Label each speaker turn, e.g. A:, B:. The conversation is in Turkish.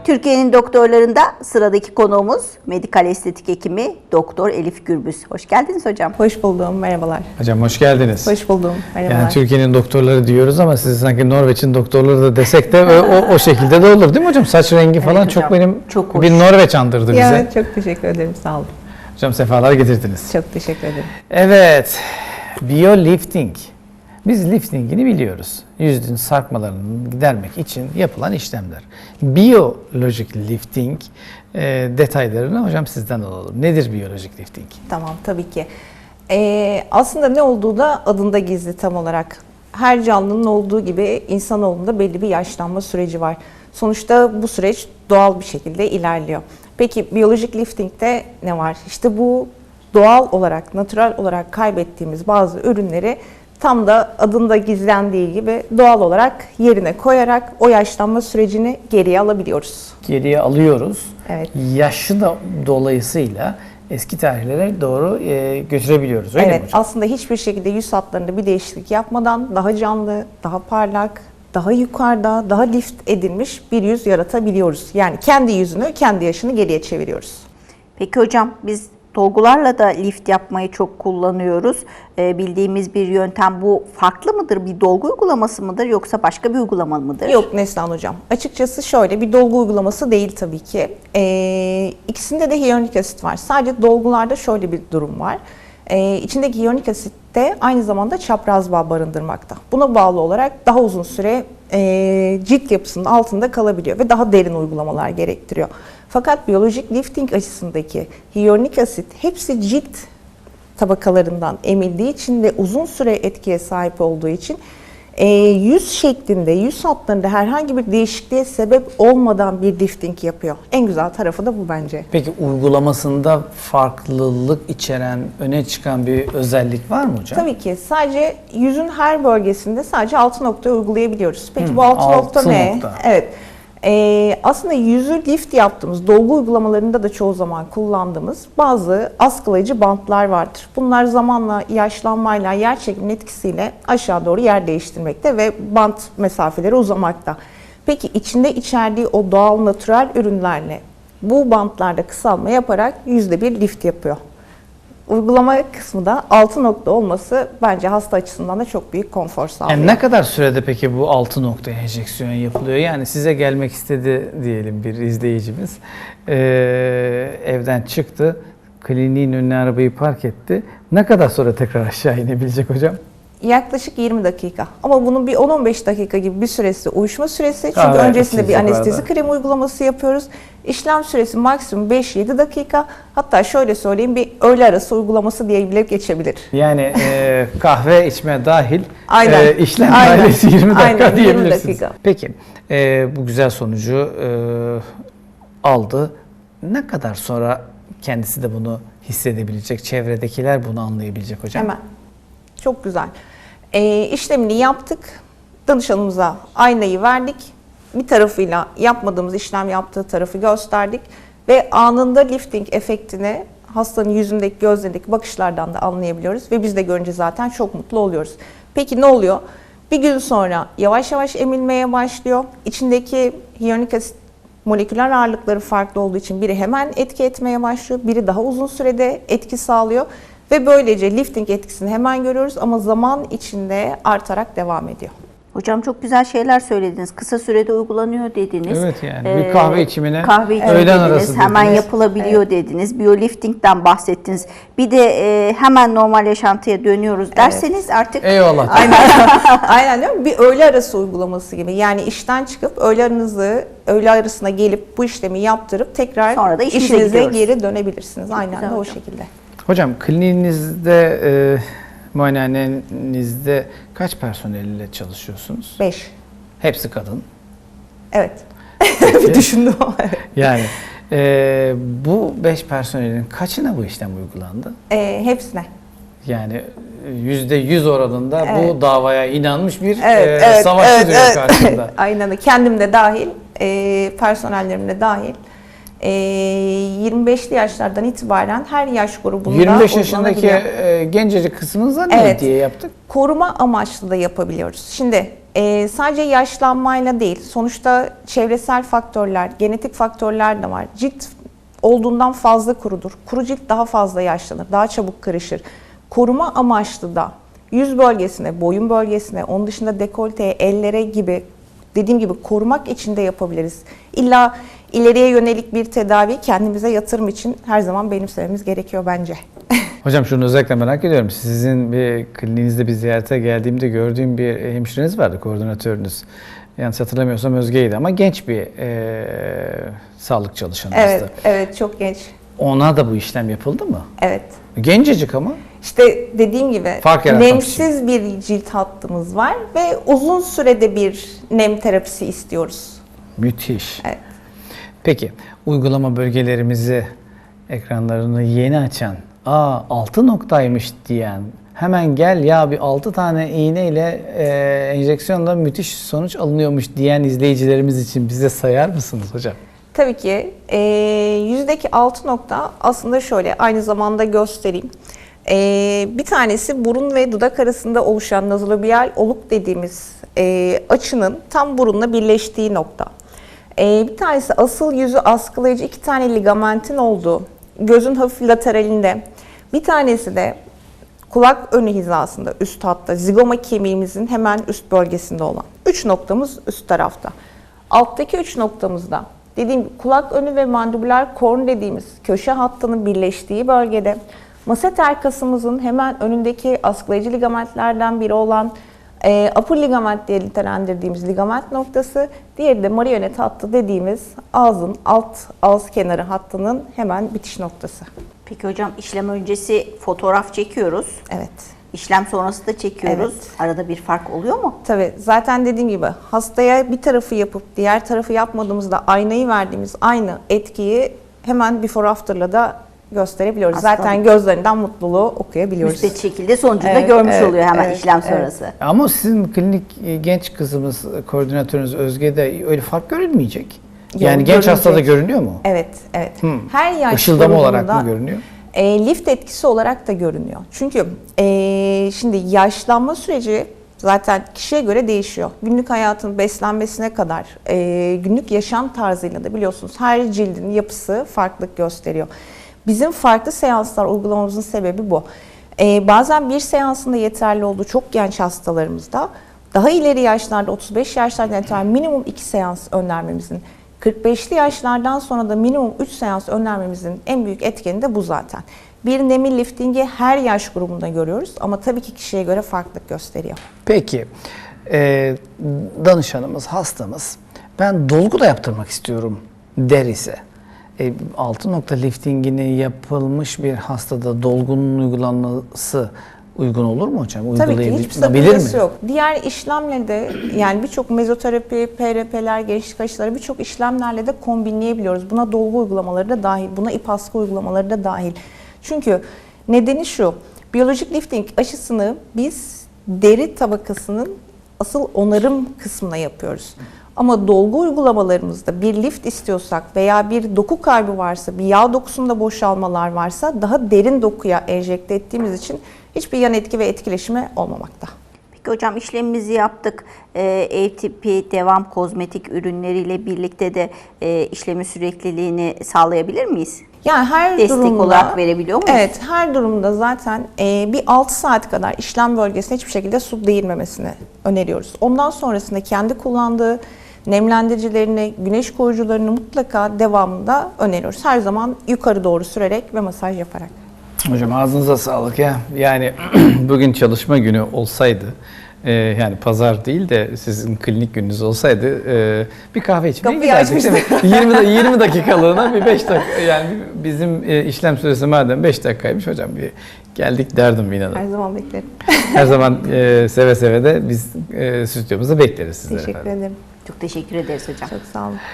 A: Türkiye'nin doktorlarında sıradaki konuğumuz medikal estetik hekimi Doktor Elif Gürbüz. Hoş geldiniz hocam.
B: Hoş buldum, merhabalar.
C: Hocam hoş geldiniz.
B: Hoş buldum, merhabalar.
C: Yani Türkiye'nin doktorları diyoruz ama siz sanki Norveç'in doktorları da desek de o şekilde de olur değil mi hocam? Saç rengi falan
A: hocam,
C: çok benim
A: çok
C: bir Norveç andırdı bize.
B: Ya, çok teşekkür ederim, sağ olun.
C: Hocam sefalar getirdiniz.
B: Çok teşekkür ederim.
C: Evet, biolifting. Biz liftingini biliyoruz. Yüzün sarkmalarını gidermek için yapılan işlemler. Biyolojik lifting detaylarını hocam sizden alalım. Nedir biyolojik lifting?
B: Tamam, tabii ki. Aslında ne olduğu da adında gizli tam olarak. Her canlının olduğu gibi insanoğlunda belli bir yaşlanma süreci var. Sonuçta bu süreç doğal bir şekilde ilerliyor. Peki biyolojik liftingde ne var? İşte bu doğal olarak, natürel olarak kaybettiğimiz bazı ürünleri tam da adında gizlendiği gibi doğal olarak yerine koyarak o yaşlanma sürecini geriye alabiliyoruz.
C: Geriye alıyoruz.
B: Evet.
C: Yaşı da dolayısıyla eski tarihlere doğru götürebiliyoruz. Öyle mi
B: Evet,
C: hocam?
B: aslında hiçbir şekilde yüz hatlarında bir değişiklik yapmadan daha canlı, daha parlak, daha yukarıda, daha lift edilmiş bir yüz yaratabiliyoruz. Yani kendi yüzünü, kendi yaşını geriye çeviriyoruz.
A: Peki hocam biz dolgularla da lift yapmayı çok kullanıyoruz. Bildiğimiz bir yöntem, bu farklı mıdır? Bir dolgu uygulaması mıdır yoksa başka bir uygulama mıdır?
B: Yok Neslihan Hocam. Açıkçası şöyle bir dolgu uygulaması değil tabii ki. İkisinde de hyaluronik asit var. Sadece dolgularda şöyle bir durum var. İçindeki hyaluronik asit de aynı zamanda çapraz bağ barındırmakta. Buna bağlı olarak daha uzun süre cilt yapısının altında kalabiliyor ve daha derin uygulamalar gerektiriyor. Fakat biyolojik lifting açısındaki hyaluronik asit hepsi cilt tabakalarından emildiği için ve uzun süre etkiye sahip olduğu için yüz şeklinde, yüz hatlarında herhangi bir değişikliğe sebep olmadan bir lifting yapıyor. En güzel tarafı da bu bence.
C: Peki uygulamasında farklılık içeren, öne çıkan bir özellik var mı hocam?
B: Tabii ki. Sadece yüzün her bölgesinde sadece 6 noktayı uygulayabiliyoruz. Peki bu 6 nokta
C: 6
B: ne?
C: nokta.
B: Evet. Aslında yüzü lift yaptığımız dolgu uygulamalarında da çoğu zaman kullandığımız bazı askılayıcı bantlar vardır. Bunlar zamanla yaşlanmayla, yer çekiminin etkisiyle aşağı doğru yer değiştirmekte ve bant mesafeleri uzamakta. Peki içinde içerdiği o doğal natürel ürünlerle bu bantlarda kısalma yaparak yüzde bir lift yapıyor. Uygulama kısmı da 6 nokta olması bence hasta açısından da çok büyük konfor sağlıyor.
C: Yani ne kadar sürede peki bu 6 noktaya enjeksiyon yapılıyor? Yani size gelmek istedi diyelim bir izleyicimiz. Evden çıktı, kliniğin önüne arabayı park etti. Ne kadar sonra tekrar aşağı inebilecek hocam?
B: Yaklaşık 20 dakika. Ama bunun bir 10-15 dakika gibi bir süresi uyuşma süresi. Çünkü
C: Evet,
B: öncesinde bir
C: siz
B: anestezi
C: yukarıda.
B: kremi uygulaması yapıyoruz. İşlem süresi maksimum 5-7 dakika. Hatta şöyle söyleyeyim, bir öğle arası uygulaması diye bile geçebilir.
C: Yani kahve içme dahil
B: Aynen.
C: işlem
B: Aynen.
C: ailesi 20 dakika
B: Aynen, 20
C: diyebilirsiniz.
B: dakika.
C: Peki bu güzel sonucu aldı. Ne kadar sonra kendisi de bunu hissedebilecek, çevredekiler bunu anlayabilecek hocam?
B: Hemen. Çok güzel. İşlemini yaptık. Danışanımıza aynayı verdik. Bir tarafıyla yapmadığımız işlem yaptığı tarafı gösterdik. Ve anında lifting efektini hastanın yüzündeki, gözlerindeki bakışlardan da anlayabiliyoruz. Ve biz de görünce zaten çok mutlu oluyoruz. Peki ne oluyor? Bir gün sonra yavaş yavaş emilmeye başlıyor. İçindeki hyaluronik asit moleküler ağırlıkları farklı olduğu için biri hemen etki etmeye başlıyor. Biri daha uzun sürede etki sağlıyor. Ve böylece lifting etkisini hemen görüyoruz ama zaman içinde artarak devam ediyor.
A: Hocam çok güzel şeyler söylediniz. Kısa sürede uygulanıyor dediniz.
C: Evet yani bir kahve içimine
A: kahve içimi
C: öğlen
A: dediniz,
C: arası
A: hemen
C: dediniz.
A: yapılabiliyor dediniz. Biyoliftingden bahsettiniz. Bir de hemen normal yaşantıya dönüyoruz derseniz artık
C: Eyvallah.
B: Aynen değil mi? Bir öğle arası uygulaması gibi. Yani işten çıkıp öğle arasına gelip bu işlemi yaptırıp tekrar
A: Sonra da işinize
B: işinize
A: gidiyoruz.
B: geri dönebilirsiniz. Aynen
A: güzel
B: de o
A: hocam.
B: şekilde.
C: Hocam kliniğinizde, muayenehanenizde kaç personelle çalışıyorsunuz?
B: 5.
C: Hepsi kadın.
B: Evet. Bir düşündüm ama evet.
C: Yani bu 5 personelin kaçına bu işlem uygulandı?
B: Hepsine.
C: Yani %100 oranında
B: Evet.
C: bu davaya inanmış bir
B: Evet,
C: savaşçı duruyor karşımda.
B: Aynen öyle. Kendim de dahil, personellerim de dahil. 25'li yaşlardan itibaren her yaş grubunda
C: 25 yaşındaki
B: uygulanabiliyor.
C: gencecik kısmınıza ne
B: Evet.
C: diye yaptık?
B: Koruma amaçlı da yapabiliyoruz. Şimdi sadece yaşlanmayla değil, sonuçta çevresel faktörler, genetik faktörler de var. Cilt olduğundan fazla kurudur. Kuru cilt daha fazla yaşlanır, daha çabuk kırışır. Koruma amaçlı da yüz bölgesine, boyun bölgesine, onun dışında dekolteye, ellere gibi, dediğim gibi korumak için de yapabiliriz. İlla ileriye yönelik bir tedavi kendimize yatırım için her zaman benimsememiz gerekiyor bence.
C: Hocam şunu özellikle merak ediyorum. Sizin bir kliniğinizde bir ziyarete geldiğimde gördüğüm bir hemşireniz vardı, koordinatörünüz. Yanlış hatırlamıyorsam Özge'ydi ama genç bir sağlık çalışanımızdı.
B: Evet, evet, çok genç.
C: Ona da bu işlem yapıldı mı?
B: Evet.
C: Gencecik ama.
B: İşte dediğim gibi
C: Fark yaratmak
B: nemsiz bir cilt hattımız var ve uzun sürede bir nem terapisi istiyoruz.
C: Müthiş.
B: Evet.
C: Peki uygulama bölgelerimizi ekranlarını yeni açan, 6 noktaymış diyen, hemen gel ya bir 6 tane iğneyle enjeksiyonla müthiş sonuç alınıyormuş diyen izleyicilerimiz için bize sayar mısınız hocam?
B: Tabii ki yüzdeki 6 nokta aslında şöyle, aynı zamanda göstereyim. Bir tanesi burun ve dudak arasında oluşan nazolabiyal oluk dediğimiz açının tam burunla birleştiği nokta. Bir tanesi asıl yüzü askılayıcı 2 tane ligamentin olduğu gözün hafif lateralinde. Bir tanesi de kulak önü hizasında, üst hatta zigoma kemiğimizin hemen üst bölgesinde olan 3 noktamız üst tarafta. Alttaki 3 noktamızda dediğim gibi kulak önü ve mandibular korn dediğimiz köşe hattının birleştiği bölgede, maseter kasımızın hemen önündeki askılayıcı ligamentlerden biri olan upper ligament diye nitelendirdiğimiz ligament noktası, diğeri de marionet hattı dediğimiz ağzın alt ağız kenarı hattının hemen bitiş noktası.
A: Peki hocam, işlem öncesi fotoğraf çekiyoruz.
B: Evet.
A: İşlem sonrası da çekiyoruz.
B: Evet.
A: Arada bir fark oluyor mu?
B: Tabii zaten dediğim gibi hastaya bir tarafı yapıp diğer tarafı yapmadığımızda aynayı verdiğimiz aynı etkiyi hemen before after'la da gösterebiliyoruz.
A: Aslında
B: zaten gözlerinden mutluluğu okuyabiliyoruz.
A: Müspet şekilde sonucunu da
B: Evet,
A: görmüş
B: evet,
A: oluyor hemen
B: evet,
A: işlem
B: evet.
A: sonrası.
C: Ama sizin klinik genç kızımız, koordinatörünüz Özge'de öyle fark görülmeyecek.
B: Yok,
C: Yani genç
B: görülecek.
C: hastada görünüyor mu?
B: Evet, evet. Her yaş
C: Işıldama olarak
B: grubunda
C: mı görünüyor?
B: Lift etkisi olarak da görünüyor. Çünkü şimdi yaşlanma süreci zaten kişiye göre değişiyor. Günlük hayatın beslenmesine kadar, günlük yaşam tarzıyla da biliyorsunuz her cildin yapısı farklılık gösteriyor. Bizim farklı seanslar uygulamamızın sebebi bu. Bazen bir seansında yeterli olduğu çok genç hastalarımızda, daha ileri yaşlarda 35 yaşlardan itibaren minimum 2 seans önermemizin, 45'li yaşlardan sonra da minimum 3 seans önermemizin en büyük etkeni de bu zaten. Bir nemi liftingi her yaş grubunda görüyoruz ama tabii ki kişiye göre farklılık gösteriyor.
C: Peki, danışanımız, hastamız, ben dolgu da yaptırmak istiyorum der ise, 6 nokta liftingini yapılmış bir hastada dolgunun uygulanması uygun olur mu hocam?
B: Tabii ki hiçbir
C: Uygulayabilir
B: sakıncası
C: mi?
B: yok. Diğer işlemle de yani birçok mezoterapi, PRP'ler, gençlik aşıları birçok işlemlerle de kombinleyebiliyoruz. Buna dolgu uygulamaları da dahil, buna ip askı uygulamaları da dahil. Çünkü nedeni şu, biyolojik lifting aşısını biz deri tabakasının asıl onarım kısmına yapıyoruz. Ama dolgu uygulamalarımızda bir lift istiyorsak veya bir doku kaybı varsa, bir yağ dokusunda boşalmalar varsa daha derin dokuya enjekte ettiğimiz için hiçbir yan etki ve etkileşimi olmamakta.
A: Peki hocam, işlemimizi yaptık. Ev tipi devam kozmetik ürünleriyle birlikte de işlemin sürekliliğini sağlayabilir miyiz?
B: Yani her
A: Destek
B: durumda,
A: olarak verebiliyor muyuz?
B: Evet, her durumda zaten bir 6 saat kadar işlem bölgesine hiçbir şekilde su değirmemesini öneriyoruz. Ondan sonrasında kendi kullandığı nemlendiricilerini, güneş koruyucularını mutlaka devamında öneriyoruz. Her zaman yukarı doğru sürerek ve masaj yaparak.
C: Hocam ağzınıza sağlık ya. Yani bugün çalışma günü olsaydı, yani pazar değil de sizin klinik gününüz olsaydı bir kahve içmeye
B: Kapıyı
C: giderdik.
B: açmıştık.
C: 20 dakikalığına bir 5 dakika, yani bizim işlem süresi madem 5 dakikaymış hocam, bir geldik derdim inanın.
B: Her zaman beklerim.
C: Her zaman seve seve de biz stüdyomuza bekleriz sizleri.
B: Teşekkür
C: efendim.
B: ederim.
A: Çok teşekkür ederiz hocam.
B: Çok sağ olun.